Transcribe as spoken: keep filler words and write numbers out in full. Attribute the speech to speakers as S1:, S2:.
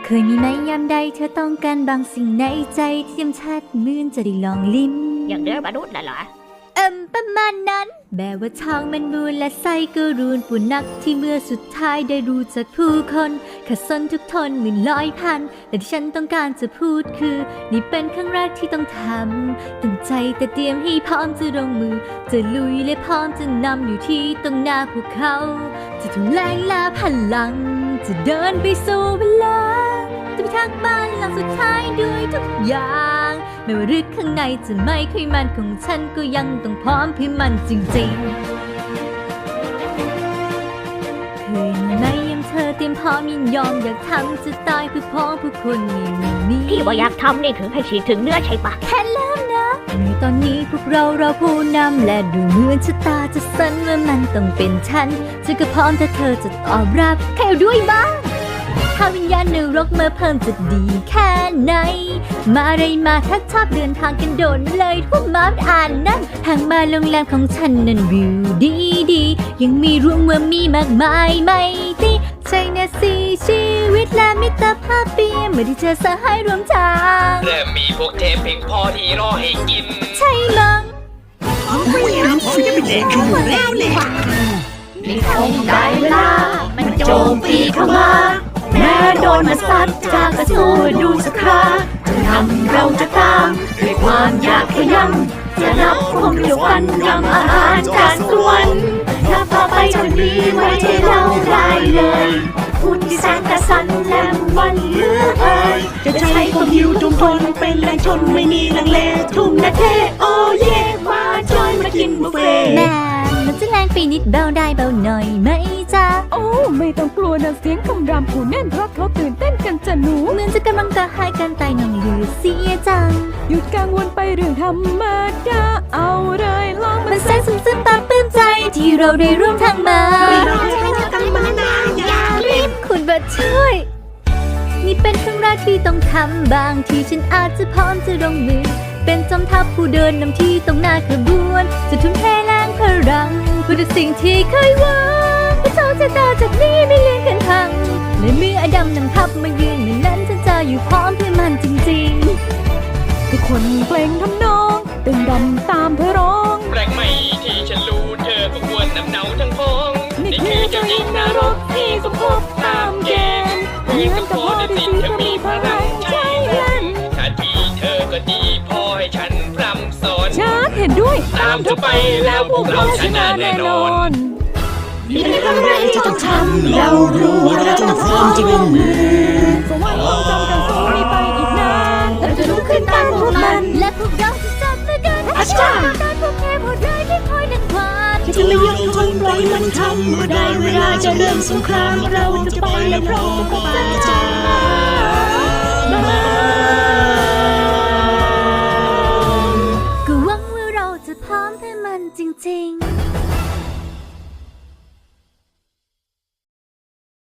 S1: ยมีไหมยามใดเธอต้องการบางสิ่งในใจที่ยำชัดเหมือนจะได้ลองลิ้ม
S2: อย่างเดือมนุษย์น่ะเหรอ
S1: เอิมประมาณนั้นแบบว่าทองมันมูลและไส้ก็รูนปุ่นนักที่เมื่อสุดท้ายได้รู้จักผู้คนขัดสนทุกทนหมื่นร้อยพันแต่ที่ฉันต้องการจะพูดคือนี่เป็นครั้งแรกที่ต้องทำตั้งใจแต่เตรียมให้พร้อมจะลงมือจะลุยและพร้อมจะนำอยู่ที่ตรงหน้าพวกเขาจะทุ่มแรงและพลังจะเดินไปสู่เวลาจะไปทักบ้านหลังสุดท้ายด้วยทุกอย่างไม่ว่าลึกข้างในจะไม่ค่อยมันของฉันก็ยังต้องพร้อมเพื่อมันจริงๆเคยมีไหมยังเธอเตรียมพร้อมยินยอมอยากทำจะตายเพื่อพ้องเพื่อคนนี้นี้
S2: ที่ว่าอยากทำนี่คือให้ฉีดถึงเนื้อใช่ปะ
S1: แค่เริ่มนะในตอนนี้พวกเราเราผู้นำและดูเหมือนชะตาจะสั่นว่ามันต้องเป็นฉันฉันก็พร้อมถ้าเธอจะตอบรับแค่ด้วยบ้างถ้าวิญญาณนรกมาเพิ่มจะดีแค่ไหนมาไรมาถ้าชอบเดินทางกันโดนเลยทั่วมาอ่านนะทางมาโรงแรมของฉันนั้นวิวดีดียังมีรวมว่ามีมากมายไม่ติใช่นะสิชีวิตและมิตรภาพเปี่ยมเมื่อที่เจอสหายรวมทาง
S3: เริ่มมีพวกเทพเพียงพอที่รอให้กิน
S1: ใช่มั้ง
S4: ไม่อยากจะเป็นเด็กอยู่แล้วเลย
S2: นี่คงได้เวลามันโจมตีเข้ามาแม้โดนมาซัดจากกระสู้ดูสักคราจะนำเราจะตามด้วยความอยากขยันจะนับคมเดียวกันยำอาหารจานส่วนถ้าต่อไปจะมีไว้ที่เราได้เลยพูดที่แสนกระสันและมันเหลือเอ่ย
S4: จะใช้ความหิวจงทนเป็นแรงชนไม่มีลังเลทุ่มนาเทโอเย่มาจอยมากินบุฟเฟ่
S1: แม่มันจะแรงไปนิดเบาได้เบาหน่อยไหมจ๊ะ
S5: โอ้ไม่ต้องกลัวนะเสียงคำรามผู้แน่นเพราะเขาตื่นเต้นกันจะหนู
S1: เหมือนจะกำลังกระหายกันตายน้องเหลือเสียจัง
S5: หยุดกังวลไปเรื่องธรรมดาเอาเลยลอง
S1: มันแสนซึ้งซึ้งตาปลื้มใจที่เราได้ร่วมทางมา
S4: เราจะให้เธอกันมานาอย่ารีบ
S1: คุณบัดช่วยนี่เป็นครั้งแรกที่ต้องทำบางทีฉันอาจจะพร้อมจะลงมือเป็นจอมทัพผู้เดินนำที่ตรงหน้าขบวนจะทุ่มเทแรงพลังเพื่อสิ่งที่เคยหวังพระเจ้าชะตาจากนี้ไม่เลื่อนกันพังในเมื่ออดัมนำทัพมายืนในนั้นฉันจะอยู่พร้อมเพื่อมันจริง
S5: ๆทุกคนเปล่งทำนองตึงดำตามเธอร้อง
S3: แปลงใหม่ที่ฉันรู้เธอก็ควรนำเนาทั้งพ้องนี่คือเจ้าหญิงนรกที่สมภพตามเกณฑ์เพียงต้องขอได้สิ่งที่มีพลังใจนั้นถ้าที่เธอก็ดีพอให้ฉันพร่ำสอน
S5: ชัดเห็นด้วย
S3: ตามเธอไปแล้วพวกเราชนะแน่นอน
S4: นี่เป็นครั้งแรกที่ต้องทำเรารู้ว่าเราต้องพร้อมจะลงมือ
S5: สวรรค์จำกันสู้ไม่ไปอีกนาน
S1: เราจะลุกขึ้นตามพวกมันและพวกเราจะจับมือกัน
S4: อาจารย์
S1: ต้านพวกแค่พวกร้ายที่คอยดันความ
S4: จะไม่ยอมทนปล่อยมันทำเมื่อได้เวลาจะเริ่มสงครามเราจะไปและพร้อมกับอาจารย์
S1: ก็หวังว่าเราจะพร้อมให้มันจริงๆ